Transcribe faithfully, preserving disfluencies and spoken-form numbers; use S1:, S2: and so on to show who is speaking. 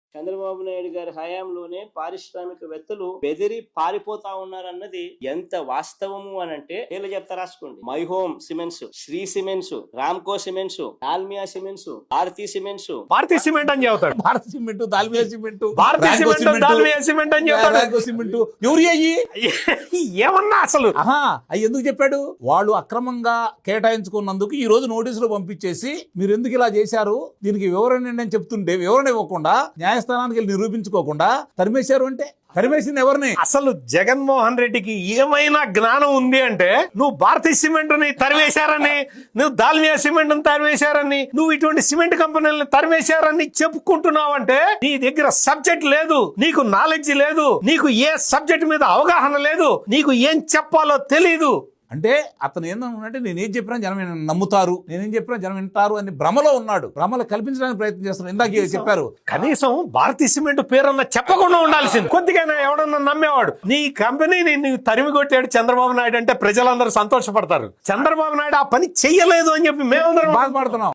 S1: చంద్రబాబు నాయుడు గారి హయాంలోనే పారిశ్రామికవేత్తలు బెదిరి పారిపోతా ఉన్నారన్నది ఎంత వాస్తవము అని అంటే వీళ్ళు చెప్తా రాసుకోండి. My home cements, Shree cements, Ramco cements, Dalmia cements, Bharathi cements,
S2: Bharathi cement అని చెబుతాడు.
S3: Bharat cement, Dalmia cement,
S2: Bharathi cement, Dalmia cement అని చెబుతాడు.
S3: సిమెంట్ ఎవరు అయ్యి
S2: ఏమన్నా అసలు
S3: ఆహా అవి ఎందుకు చెప్పాడు? వాళ్ళు అక్రమంగా కేటాయించుకున్నందుకు ఈ రోజు నోటీసులు పంపించేసి మీరు ఎందుకు ఇలా చేశారు, దీనికి వివరణ అని చెప్తుంటే వివరణ ఇవ్వకుండా న్యాయస్థానానికి వెళ్ళి నిరూపించుకోకుండా తరిమేశారు. అంటే తరిమేసింది ఎవరిని?
S2: అసలు జగన్మోహన్ రెడ్డికి ఏమైనా జ్ఞానం ఉంది అంటే నువ్వు భారతీ సిమెంట్ ని తరివేశారని, నువ్వు దాల్మియా సిమెంట్ ని తరివేశారని, నువ్వు ఇటువంటి సిమెంట్ కంపెనీలను తరివేశారని చెప్పుకుంటున్నావు అంటే నీ దగ్గర సబ్జెక్ట్ లేదు, నీకు నాలెడ్జ్ లేదు, నీకు ఏ సబ్జెక్ట్ మీద అవగాహన లేదు, నీకు ఏం చెప్పాలో తెలీదు.
S3: అంటే అతను ఏంటంటే నేనేం చెప్పినా జనం నమ్ముతారు, నేనేం చెప్పినా జనం వింటారు అని భ్రమలో ఉన్నాడు. భ్రమలు కల్పించడానికి ప్రయత్నం చేస్తున్నాడు. ఇందాక చెప్పారు
S2: కనీసం భారతీ సిమెంట్ పేరన్నా చెప్పకుండా ఉండాల్సింది. కొద్దిగా ఎవడన్నా నమ్మేవాడు. నీ కంపెనీని నీవు తరిమి కొట్టాడు చంద్రబాబు నాయుడు అంటే ప్రజలందరూ సంతోషపడతారు. చంద్రబాబు నాయుడు ఆ పని చెయ్యలేదు అని చెప్పి మేమందరం
S3: బాధపడుతున్నాం.